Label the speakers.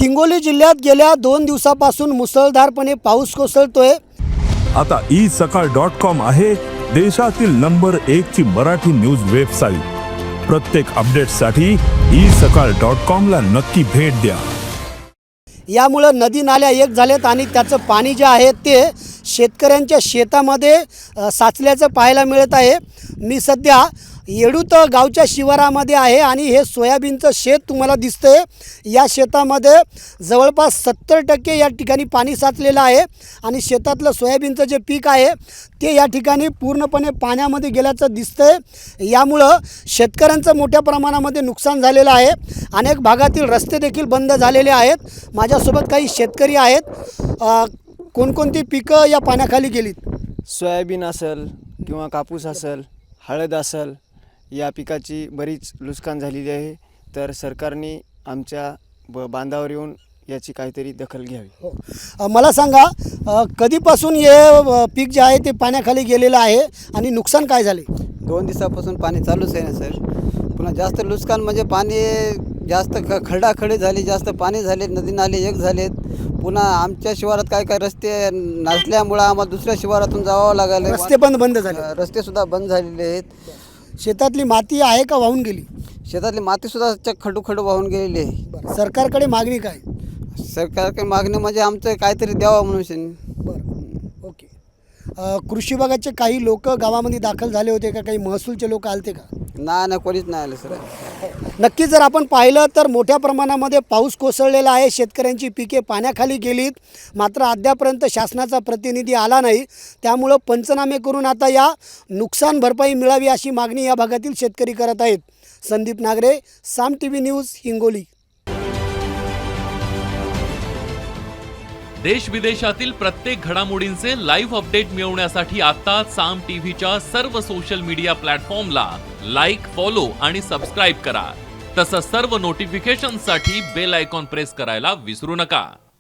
Speaker 1: हिंगोली जिल्ह्यात गेल्या 2 दिवसापासून मुसळधारपणे पाऊस कोसळतोय।
Speaker 2: आता isakal.com आहे देशातील नंबर 1 ची मराठी न्यूज वेबसाईट। प्रत्येक अपडेटसाठी isakal.com ला नक्की भेट द्या।
Speaker 1: यामुळे नदी नाल्या एक झालेत आणि त्याचं पाणी जे आहे ते शेतकऱ्यांच्या शेतामध्ये साचल्याचं पाहायला मिळत आहे। मी सध्या येडूत गावच्या शिवारामध्ये आहे आणि हे सोयाबीनचं शेत तुम्हाला दिसतंय। या शेतामध्ये जवळपास 70% या ठिकाणी पाणी साचलेलं आहे आणि शेतातलं सोयाबीनचं जे पीक आहे ते या ठिकाणी पूर्णपणे पाण्यामध्ये गेल्याचं दिसतंय। यामुळं शेतकऱ्यांचं मोठ्या प्रमाणामध्ये नुकसान झालेलं आहे। अनेक भागातील रस्ते देखील बंद झालेले आहेत। माझ्यासोबत काही शेतकरी आहेत। कोणकोणती पिकं या पाण्याखाली गेलीत?
Speaker 3: सोयाबीन असेल किंवा कापूस असेल, हळद असेल, या पिकाची बरीच नुकसान झालेली आहे। तर सरकारने आमच्या बांधावर येऊन याची काहीतरी दखल घ्यावी।
Speaker 1: मला सांगा, कधीपासून हे पीक जे आहे ते पाण्याखाली गेलेलं आहे आणि नुकसान काय झाले?
Speaker 4: 2 दिवसापासून पाणी चालूच आहे ना सर। पुन्हा जास्त नुकसान म्हणजे पाणी जास्त खडाखडी झाली, जास्त पाणी झाले, नदी नाले एक झालेत। पुन्हा आमच्या शिवारात काय काय रस्ते नसल्यामुळं आम्हाला दुसऱ्या शिवारातून जावं लागलं।
Speaker 1: रस्ते बंद झाले,
Speaker 4: रस्तेसुद्धा बंद झालेले आहेत।
Speaker 1: शेतातली माती आहे का वाहून गेली?
Speaker 4: शेतातली मातीसुद्धा खडू वाहून गेलेली आहे।
Speaker 1: सरकारकडे मागणी काय?
Speaker 4: सरकारकडे मागणी म्हणजे आमचं काहीतरी द्यावं म्हणून।
Speaker 1: बरं, ओके। कृषी विभागाचे काही लोक गावामध्ये दाखल झाले होते का? काही महसूलचे लोक आलते का?
Speaker 4: नाही, कोणीच नाही आलं सर।
Speaker 1: नक्कीच जर आपण पाहिलं तर मोठ्या प्रमाणामध्ये पाऊस कोसळलेला आहे। शेतकऱ्यांची पिके पाण्याखाली गेलीत, मात्र अद्यापर्यंत शासनाचा प्रतिनिधी आला नाही। त्यामुळं पंचनामे करून आता या नुकसान भरपाई मिळावी अशी मागणी या भागातील शेतकरी करत आहेत। Sandeep Nagare, Saam TV news, Hingoli.
Speaker 5: देश विदेशातील प्रत्येक घडामोडींचे लाईव्ह अपडेट मिळवण्यासाठी आता साम टीव्हीच्या सर्व सोशल मीडिया प्लॅटफॉर्मला लाईक, फॉलो आणि सबस्क्राईब करा। तसंच सर्व नोटिफिकेशनसाठी बेल आयकॉन प्रेस करायला विसरू नका।